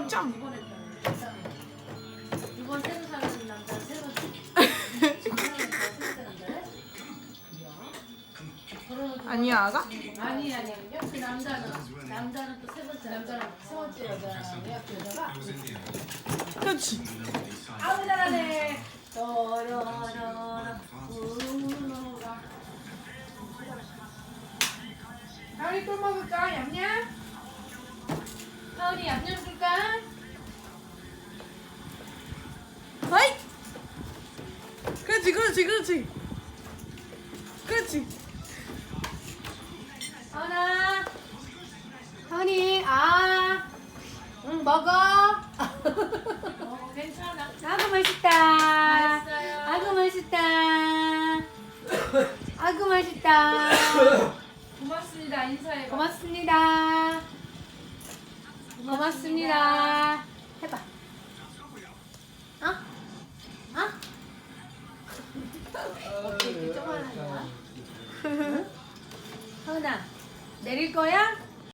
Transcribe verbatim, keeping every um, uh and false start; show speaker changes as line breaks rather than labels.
점점.
이번 새로 사는 남자 새로
아니야 아가?
아니 아니 그 남자는 남자는 또 세 번째 남자는 세 번째 여자예요 그 여자가
그렇지.
아우 잘하네. 또로로로 우로가 하은이 또 먹을까 얌얌? 하은이 얌얌 줄까?
하이. 그렇지 그렇지 그렇지. 그렇지.
하은아 하은이 아 응 먹어. 어 괜찮아. 아구 맛있다. 맛있어요. 아구 맛있다. 아구 맛있다. 고맙습니다. 인사해. 고맙습니다. 고맙습니다. 해봐. 어? 어? 어떻게 이렇게 쪼만한 거야? 응? 하은아 내릴 거야?